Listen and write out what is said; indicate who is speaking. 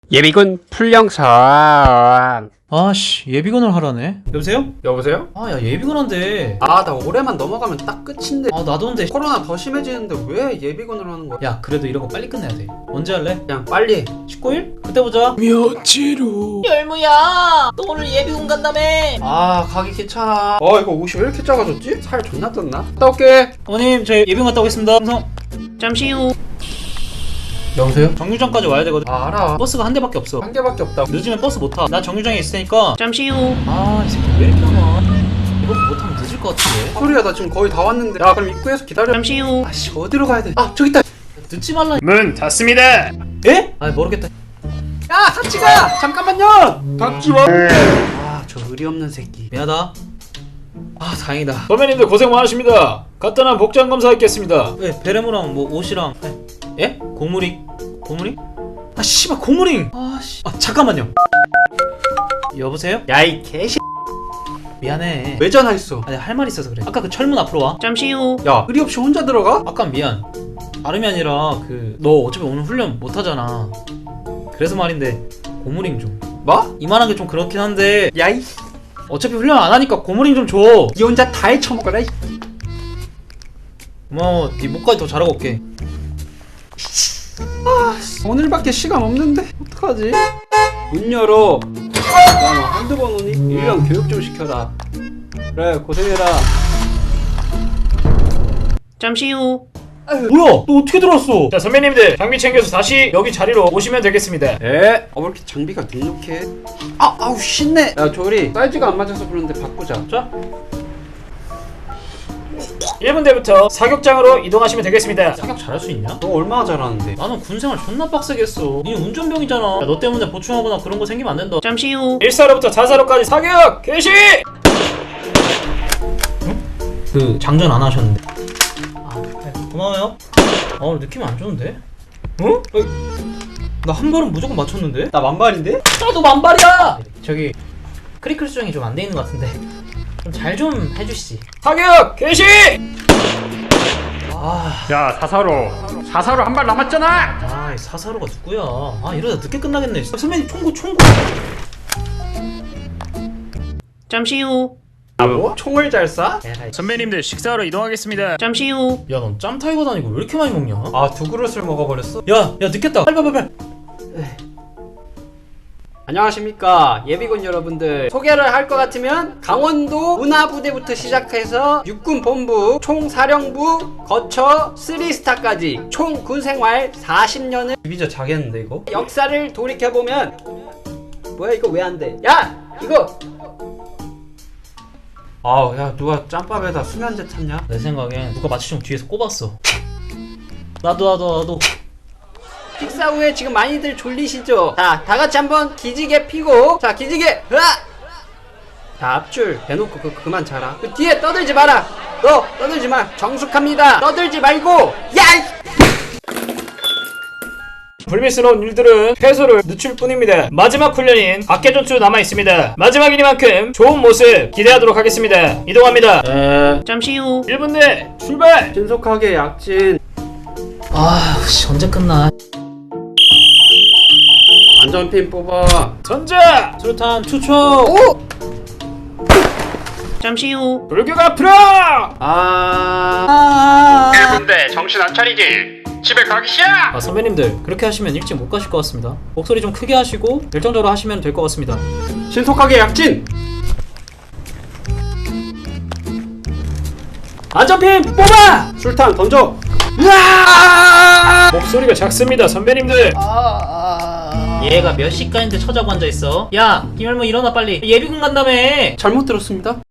Speaker 1: 예비군 풀영상.
Speaker 2: 아씨, 예비군을 하라네. 여보세요?
Speaker 1: 여보세요?
Speaker 2: 아, 야, 예비군 한대.
Speaker 1: 아, 나 올해만 넘어가면 딱 끝인데.
Speaker 2: 아, 나도 한대.
Speaker 1: 코로나 더 심해지는데 왜 예비군을 하는 거야?
Speaker 2: 야, 그래도 이런 거 빨리 끝내야 돼. 언제 할래?
Speaker 1: 그냥 빨리.
Speaker 2: 19일? 그때 보자.
Speaker 1: 며칠 후.
Speaker 2: 열무야, 너 오늘 예비군 간다며.
Speaker 1: 아, 가기 귀찮아. 이거 옷이 왜 이렇게 작아졌지? 살 존나 떴나? 갔다 올게.
Speaker 2: 어머님, 저 예비군 갔다 오겠습니다. 항상. 잠시 후.
Speaker 1: 여보세요?
Speaker 2: 정류장까지 와야 되거든.
Speaker 1: 아, 알아.
Speaker 2: 버스가 한 대밖에 없어.
Speaker 1: 한 개밖에 없다.
Speaker 2: 늦으면 버스 못 타. 나 정류장에 있을 테니까. 잠시 후. 아, 이 새끼 왜 이렇게 하나? 이렇게 못하면 늦을 것 같은데.
Speaker 1: 소리야, 나 지금 거의 다 왔는데. 야, 그럼 입구에서 기다려.
Speaker 2: 잠시 후.
Speaker 1: 아씨, 어디로 가야 돼? 아, 저기 있다.
Speaker 2: 늦지 말라.
Speaker 3: 문 닫습니다.
Speaker 2: 에? 아, 모르겠다.
Speaker 1: 야, 같이 가. 잠깐만요.
Speaker 3: 닫지 마.
Speaker 1: 아, 저 의리 없는 새끼.
Speaker 2: 미안하다. 아, 다행이다.
Speaker 3: 선배님들 고생 많으십니다. 간단한 복장 검사하겠습니다.
Speaker 2: 왜 베레모랑 뭐 옷이랑 예? 고무링? 고무링? 아 씨발 고무링! 아씨 아 잠깐만요. 여보세요?
Speaker 1: 야, 이 개씨.
Speaker 2: 미안해.
Speaker 1: 왜 전화했어?
Speaker 2: 아니 할 말 있어서 그래. 아까 그 철문 앞으로 와. 잠시 후.
Speaker 1: 야, 의리 없이 혼자 들어가?
Speaker 2: 아까 미안. 다름이 아니라 그 너 어차피 오늘 훈련 못 하잖아. 그래서 말인데 고무링 좀.
Speaker 1: 뭐?
Speaker 2: 이만한 게 좀 그렇긴 한데
Speaker 1: 야, 이.
Speaker 2: 어차피 훈련 안 하니까 고무링 좀 줘.
Speaker 1: 니 혼자 다 헤쳐먹어라. 이.
Speaker 2: 고마워. 네 목까지 더 잘하고 올게.
Speaker 1: 오늘밖에 시간 없는데 어떡하지? 문 열어. 야너 한두 번 오니? 1년 교육 좀 시켜라. 그래, 고생해라.
Speaker 2: 잠시 후. 뭐야? 너 어떻게 들어왔어?
Speaker 3: 자, 선배님들 장비 챙겨서 다시 여기 자리로 오시면 되겠습니다.
Speaker 1: 왜 이렇게 장비가 눅눅해? 아우 신내. 야 조리, 사이즈가 안 맞아서 그러는데 바꾸자.
Speaker 2: 자.
Speaker 3: 1분대부터 사격장으로 이동하시면 되겠습니다.
Speaker 2: 사격 잘할 수 있냐?
Speaker 1: 너 얼마나 잘하는데?
Speaker 2: 나는 군생활 존나 빡세게 했어. 니 운전병이잖아. 야, 너 때문에 보충하거나 그런 거 생기면 안 된다. 잠시 후.
Speaker 3: 1사로부터 4사로까지 사격 개시!
Speaker 2: 그 장전 안 하셨는데. 아, 고마워요. 오늘 느낌 안 좋은데? 어? 나 한 발은 무조건 맞췄는데?
Speaker 1: 나 만발인데?
Speaker 2: 나도 만발이야! 저기 크리클 수정이 좀 안 돼 있는 것 같은데 좀 잘 좀 해주시지.
Speaker 3: 사격 개시!
Speaker 2: 아,
Speaker 3: 야, 4사로 한 발 남았잖아.
Speaker 2: 이 사사로가 누구야? 아, 이러다 늦게 끝나겠네. 선배님 총구. 잠시 후.
Speaker 1: 뭐? 총을 잘 쏴?
Speaker 3: 선배님들 식사하러 이동하겠습니다.
Speaker 2: 잠시 후. 야, 넌 짬타이거 다니고 왜 이렇게 많이 먹냐?
Speaker 1: 아, 두 그릇을 먹어버렸어?
Speaker 2: 야, 늦겠다. 빨리.
Speaker 1: 안녕하십니까 예비군 여러분들. 소개를 할 것 같으면 강원도 문화부대부터 시작해서 육군본부 총사령부 거쳐 3스타까지 총 군생활 40년을 비자 자겠는데 이거? 역사를 돌이켜보면 뭐야 이거 왜 안 돼? 야! 이거! 아우 야 누가 짬밥에다 수면제 탔냐?
Speaker 2: 내 생각엔 누가 마취총 뒤에서 꼽았어. 나도.
Speaker 1: 식사 후에 지금 많이들 졸리시죠? 자, 다 같이 한번 기지개 피고, 자, 기지개, 으악! 자, 앞줄 대놓고 그만 자라. 그 뒤에 떠들지 마라. 너 떠들지 마. 정숙합니다. 떠들지 말고, 야!
Speaker 3: 불미스러운 일들은 해소를 늦출 뿐입니다. 마지막 훈련인 각개전투 남아있습니다. 마지막이니만큼 좋은 모습 기대하도록 하겠습니다. 이동합니다.
Speaker 2: 잠시 후.
Speaker 3: 1분대 출발!
Speaker 1: 신속하게 약진.
Speaker 2: 아, 씨, 언제 끝나?
Speaker 1: 안전핀 뽑아.
Speaker 3: 전자!
Speaker 2: 수류탄 투척.
Speaker 1: 오!
Speaker 2: 잠시 후.
Speaker 3: 불격 앞으로!
Speaker 1: 1분대 정신 안 차리지? 집에 가기 싫어!
Speaker 2: 아, 선배님들 그렇게 하시면 일찍 못 가실 것 같습니다. 목소리 좀 크게 하시고 열정적으로 하시면 될 것 같습니다.
Speaker 1: 신속하게 약진. 안전핀 뽑아! 술탄 던져. 으아!
Speaker 3: 목소리가 작습니다, 선배님들.
Speaker 2: 얘가 몇 시까지인데 처자고 앉아있어? 야, 김열무 일어나 빨리. 예비군 간다며.
Speaker 1: 잘못 들었습니다.